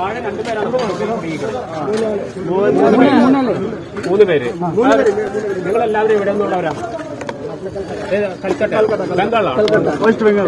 താഴെ രണ്ടുപേരാണ് മൂന്ന് പേര്. നിങ്ങളെല്ലാവരും ഇവിടെ നിന്നുള്ളവരാണ്? कलकत्ता बंगाल वेस्ट बंगाल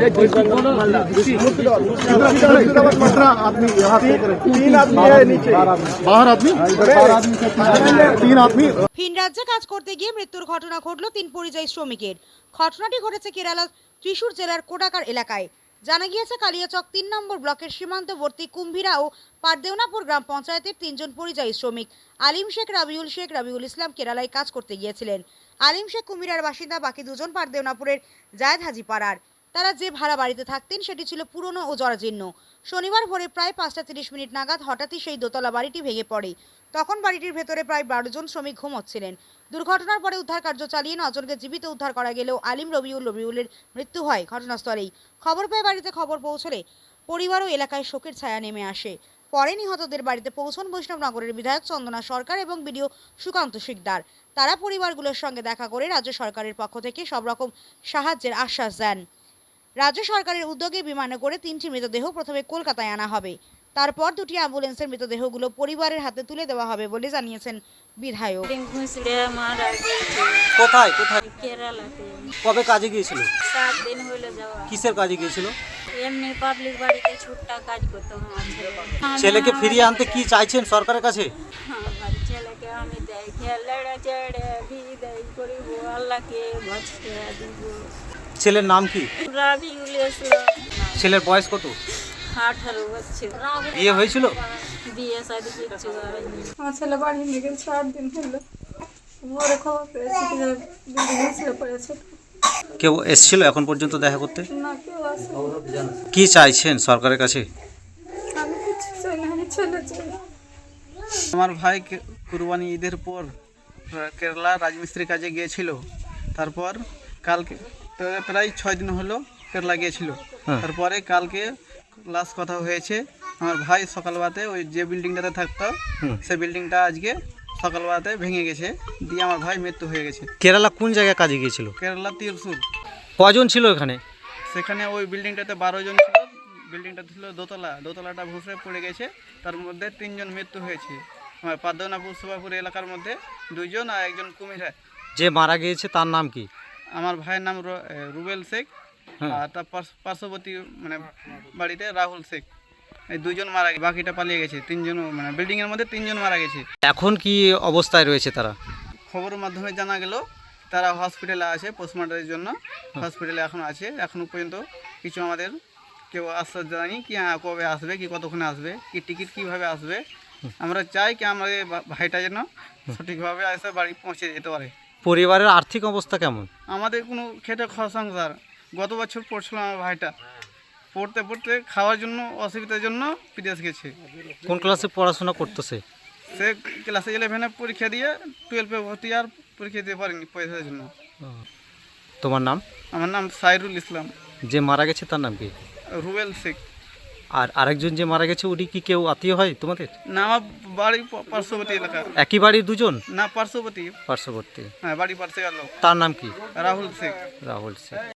आदमी यहाँ तीन आदमी है नीचे बाहर आदमी तीन आदमी। ভিন রাজ্যে কাজ করতে গিয়ে মৃত্যুর ঘটনা ঘটল 3 পরিযায়ী শ্রমিকের। ঘটনাটি ঘটেছে কেরালার ত্রিশূর জেলার কোটাকার এলাকায়। জানা গিয়েছে কালিয়াচক 3 নম্বর ব্লকের সীমান্তবর্তী কুম্ভীরা ও পারদেওনাপুর গ্রাম পঞ্চায়েতের 3 জন পরিযায়ী শ্রমিক আলিম শেখ, রাবিউল ইসলাম কেরালায় কাজ করতে গিয়েছিলেন। আলিম শেখ কুমিরার বাসিন্দা, বাকি দুজন পারদেওনাপুরের জায়েদ হাজি পাড়ার। তারা যে ভাড়া বাড়িতে থাকতেন সেটি ছিল পুরনো ও জরাজীর্ণ। শনিবার ভোরে প্রায় 5:30 নাগাদ হঠাৎই সেই দোতলা বাড়িটি ভেঙে পড়ে। তখন বাড়িটির ভেতরে প্রায় 12 জন শ্রমিক ঘুমোচ্ছিলেন। দুর্ঘটনার পরে উদ্ধার কার্য চালিয়ে 9 জনকে জীবিত উদ্ধার করা গেলেও আলিম, রবিউলের মৃত্যু হয় ঘটনাস্থলেই। খবর পেয়ে বাড়িতে খবর পৌঁছলে পরিবার ও এলাকায় শোকের ছায়া নেমে আসে। পরে নিহতদের বাড়িতে পৌঁছন বৈষ্ণবনগরের বিধায়ক চন্দনা সরকার এবং বিডিও সুকান্ত শিকদার। তারা পরিবারগুলোর সঙ্গে দেখা করে রাজ্য সরকারের পক্ষ থেকে সব রকম সাহায্যের আশ্বাস দেন। রাজ্য সরকারের উদ্যোগে বিমানে করে 3টি মৃতদেহ প্রথমে কলকাতায় আনা হবে, তারপর 2টি অ্যাম্বুলেন্সের মৃতদেহগুলো পরিবারের হাতে তুলে দেওয়া হবে বলে জানিয়েছেন বিধায়ক। কোথায় কোথায়? কেরালাতে। কবে কাজে গিয়েছিল? 7 দিন হলো যাওয়া। কিসের কাজে গিয়েছিল? এমনি পাবলিক বাড়িতে ছুট্টা কাজ করতে আমার ছেলেকে ফিরিয়ে আনতে কি চাইছেন সরকারের কাছে? আমার ছেলেকে আমি দেখে লড়া চড়ে বিদায় করিব, আল্লাহকে ভরসা দিব। ছেলের নাম কি? রাবিউল ইসলাম। ছেলের বয়স কত? 18 বছর। বিয়ে হয়েছিল? বিয়ে শাদী কিছু হয়নি। আমার ছেলে বাড়ি নিয়ে গেছে 8 দিন হলো। ভোরে খবর পেয়েছি কি বিল্ডিং ছিল পড়েছে। কেউ এসেছিল এখন পর্যন্ত দেখা করতে? না, কেউ আসেনি। কি চাইছেন সরকারের কাছে? আমি কিছু চাই না, আমি ছেলে চাই। আমার ভাই কুরবানি ঈদের পর কেরালা রাজমিস্ত্রি কাজে গিয়েছিল। তারপর কালকে প্রায় 6 দিন হলো কেরালা গিয়েছিল। তারপরে কালকে লাস্ট কথা হয়েছে। আমার ভাই সকালবেলাতে ওই যে বিল্ডিংটাতে থাকতো সেই বিল্ডিংটা আজকে সকালবেলাতে ভেঙে গেছে, দিয়ে আমার ভাই মৃত্যু হয়ে গেছে। কেরালা কোন জায়গায় কাজে গিয়েছিল? কেরালা ত্রিশূর। কজন ছিল এখানে? সেখানে ওই বিল্ডিংটাতে 12 জন ছিল। বিল্ডিংটা ছিল দোতলাটা ভুসড়ে পড়ে গেছে। তার মধ্যে 3 জন মৃত্যু হয়েছে। আমার পারদেওনাপুর সুবাপুর এলাকার মধ্যে 2 জন আর 1 জন কুমিরা। যে মারা গিয়েছে তার নাম কি? আমার ভাইয়ের নাম রুবেল শেখ, আর তার পার্শ্ববর্তী মানে বাড়িতে রাহুল শেখ। এই 2 জন মারা গেছে, বাকিটা পালিয়ে গেছে। 3 জন মানে বিল্ডিংয়ের মধ্যে 3 জন মারা গেছে। এখন কি অবস্থায় রয়েছে তারা? খবরের মাধ্যমে জানা গেল তারা হসপিটালে আছে, পোস্টমর্টমের জন্য হসপিটালে এখন আছে। এখনও পর্যন্ত কিছু আমাদের কেউ আশ্বাস জানায়নি কি কবে আসবে, কি কতক্ষণে আসবে, কি টিকিট কীভাবে আসবে। আমরা চাই কি আমাদের ভাইটা যেন সঠিকভাবে এসে বাড়ি পৌঁছে যেতে পারে। পরিবারের আর্থিক অবস্থা কেমন? আমাদের কোনো খেটে খাওয়া সংসার। গত বছর পড়ছিল আমার ভাইটা, পড়তে পড়তে খাওয়ার জন্য অসুবিধার জন্য বিদেশ গেছে। কোন ক্লাসে পড়াশোনা করতেছে? সে ক্লাস 11-এ পরীক্ষা দিয়ে 12-এ ভর্তি আর পরীক্ষা দিতে পারেনি পয়সার জন্য। তোমার নাম? আমার নাম সাইরুল ইসলাম। যে মারা গেছে তার নাম কি? রুবেল শেখ। আর আরেকজন যে মারা গেছে উনি কি কেউ আত্মীয় হয় তোমাদের? না, আমার বাড়ি পার্শ্ববর্তী এলাকা। একই বাড়ির দুজন? না, পার্শ্ববর্তী। পার্শ্ববর্তী। হ্যাঁ, বাড়ি পার্শ্বে গেল। তার নাম কি? রাহুল শেখ। রাহুল শেখ।